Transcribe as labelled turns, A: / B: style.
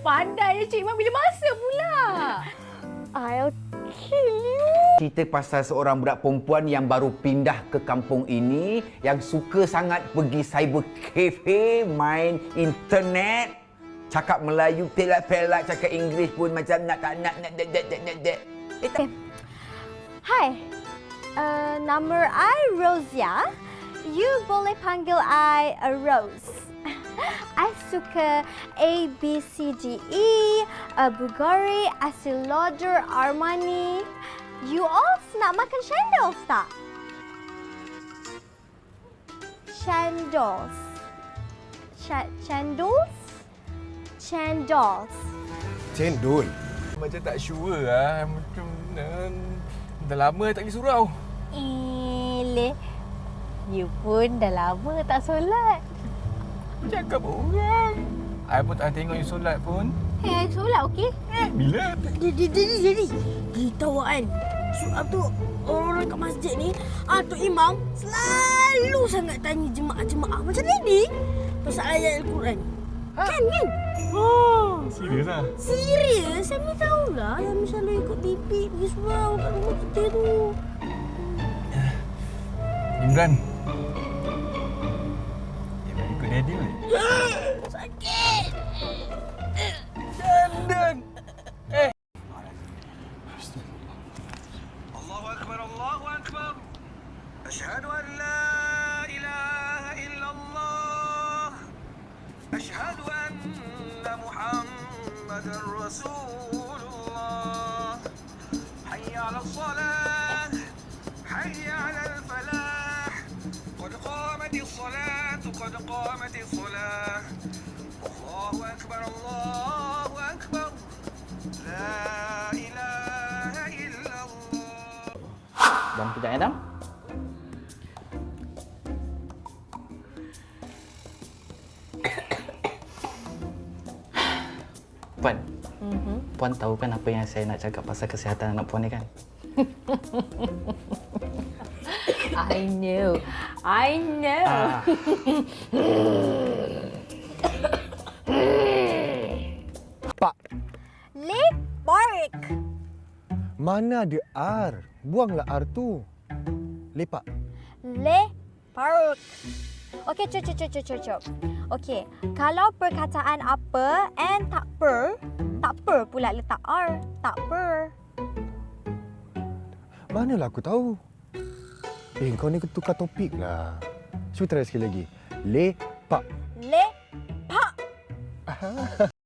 A: Pandai Cik Imam, bila masa pula?
B: I'll kill you.
C: Cerita pasal seorang budak perempuan yang baru pindah ke kampung ini, yang suka sangat pergi cyber cafe, main internet, cakap Melayu pelak-pelak, cakap Inggeris pun macam nak tak nak.
B: Hai, nama I Rosia. You boleh panggil I Rose. I suka A, B, C, D, E, Bulgari, Estee Lauder, Armani. You all nak makan cendol tak? Cendol. Cendol.
D: Cendol.
E: Macam tak sure lah. Macam dah lama tak pergi surau.
B: You pun dah lama tak solat.
E: Cakap orang. I pun tak tengok you solat pun.
B: Hey, solat okey?
E: Bila?
F: Jadi tahu kan, soal tu orang kat masjid ni, Tok Imam selalu sangat tanya jemaah-jemaah macam ni pasal ayat Al-Quran. Kan?
E: Serius lah?
F: Serius? Saya ni tahulah yang selalu ikut TV pergi surau kat rumah kita tu.
E: Imran. Imran ikut daddy kan?
F: Sakit!
E: Dan.
G: Allahu Akbar, Allahu Akbar. Asyhadu an la ilaha illallah. Asyhadu anna Muhammadar Rasulullah. Hayya 'alas salah. Hayya 'alal falah. Qad qamatis salatu, qad qamatis salah. Allahu Akbar, Allahu Akbar. La ilaha illallah.
H: Dam kejap ya, Dam. Puan, Puan tahu kan apa yang saya nak cakap pasal kesihatan anak Puan ni kan?
A: I know.
D: Pak,
B: Lepak.
D: mana ada R? Buanglah R tu. Lepak.
B: Lepak. Okey, cop. Okey, kalau perkataan apa and tak per pula letak R. Tak per.
D: Manalah aku tahu. Kau ni tukar topik lah. Cuba try sekali lagi. Lepak.
B: Lepak.